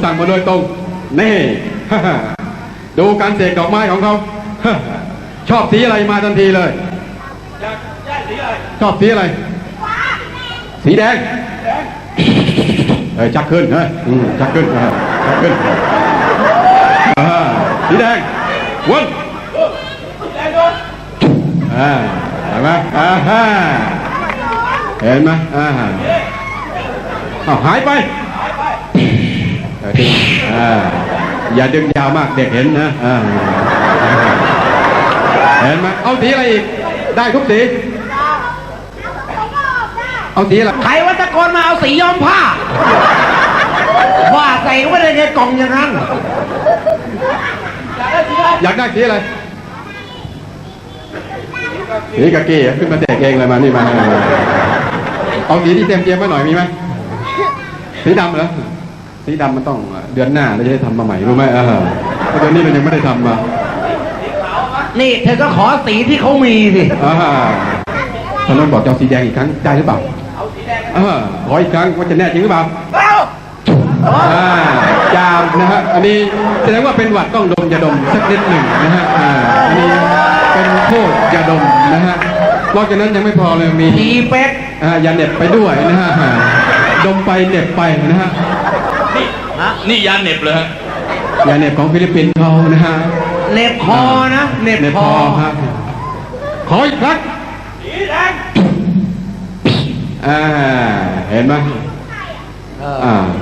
สั่งมาโดยตรงนี่ ดูการเสกดอกไม้ของเขา ชอบสีอะไรมาทันทีเลยชอบสีอะไรสีแดงชักขึ้นชักขึ้นชักขึ้นสีแดงวนเห็นไหมเห็นไหมหายไปอย่าดึงยาวมากเด็กเห็นนะเห็นไหมเอาสีอะไรอีกได้ทุกสีเอาสีอะไรใครว่าตะโกนมาเอาสีย้อมผ้าว่าใส่ไว้ในกล่องอย่างนั้นอยากได้สีอะไรสีกะกี้ขึ้นมาแจกเองเลยมานี่มาเอาสีที่เตรียมไว้หน่อยมีไหมสีดำเหรอสีดำมันต้องเดือนหน้าเราจะได้ทำมาใหม่รู้ไหมเดือนนี้เรายังไม่ได้ทำมานี่เธอก็ขอสีที่เขามีสิท่านนนท์บอกจะเอาสีแดงอีกครั้งใจหรือเปล่าขออีกครั้งว่าจะแน่จริงหรือเปล่าจามนะฮะอันนี้แสดงว่าเป็นหวัดต้องดมยาดมสักนิดหนึ่งนะฮะอันนี้เป็นโทษยาดมนะฮะนอกจากนั้นยังไม่พอเลยมีทีเป็ดยาเหน็บไปด้วยนะฮะดมไปเหน็บไปนะฮะนี่ยาเหน็บเลยฮะยาเหน็บของฟิลิปปินส์เขานะฮะเหน็บคอนะเหน็บคอครับขออีกครั้งสีแดงเห็นไหม